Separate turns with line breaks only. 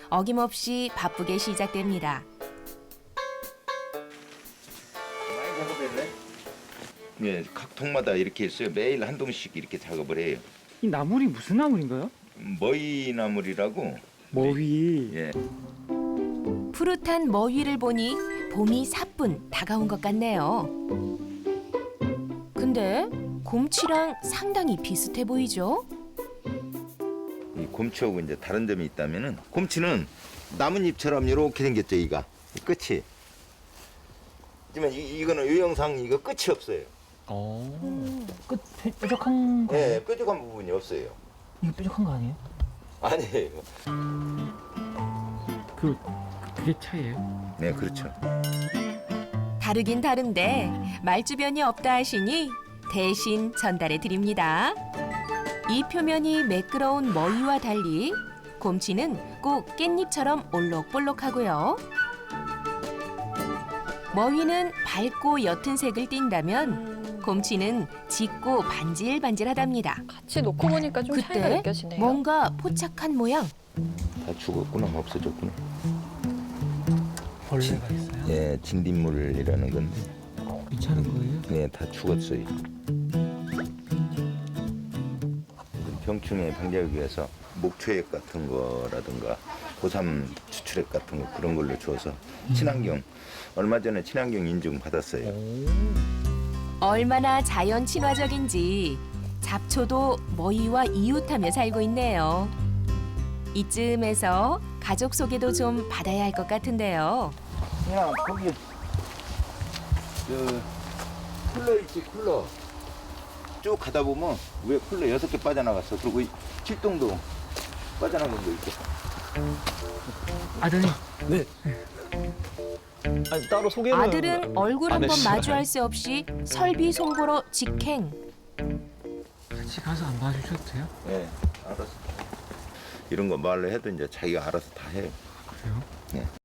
어김없이 바쁘게 시작됩니다.
많이 작업했네. 네, 각 통마다 이렇게 있어요. 매일 한 동씩 이렇게 작업을 해요.
이 나물이 무슨 나물인가요?
머위나물이라고.
머위.
예.
푸릇한 머위를 보니 봄이 사뿐 다가온 것 같네요. 근데 곰치랑 상당히 비슷해 보이죠?
이 곰치하고 이제 다른 점이 있다면은 곰치는 나뭇잎처럼 이렇게 생겼죠, 이가. 이 끝이. 하지만 이거는 이 영상 이거 끝이 없어요.
끝 뾰족한 거.
예, 뾰족한 부분이 없어요.
이거 뾰족한 거 아니에요?
아니에요.
그게 차이예요?
네, 그렇죠.
다르긴 다른데 말주변이 없다 하시니 대신 전달해 드립니다. 이 표면이 매끄러운 머위와 달리 곰치는 꼭 깻잎처럼 올록볼록하고요. 머위는 밝고 옅은 색을 띈다면 곰치는 짙고 반질반질하답니다.
같이 놓고 보니까 좀 차이가
그때
느껴지네요.
뭔가 포착한 모양.
다 죽었구나, 없어졌구나.
벌레가 있어요?
예, 진딧물이라는 건데.
괜찮은 거예요?
네, 다 죽었어요. 병충해 방지하기 위해서 목초액 같은 거라든가 고삼 추출액 같은 거 그런 걸로 줘서 친환경 얼마 전에 친환경 인증 받았어요.
얼마나 자연 친화적인지 잡초도 머위와 이웃하며 살고 있네요. 이쯤에서 가족 소개도 좀 받아야 할 것 같은데요.
그냥 거기 쿨러 있지, 쿨러. 쭉 가다 보면 위에 쿨러 6개 빠져나갔어. 그리고 이 칠동도 빠져나간 거 있고.
아드님.
네. 아니 따로 소개는
아들은 얼굴
안
한번
해주시나요?
마주할 수 없이 설비 송보로 직행.
같이 가서 안 봐주셔도 돼요?
네, 알았어. 이런 거 말로 해도 이제 자기가 알아서 다 해요.
그래요?
네.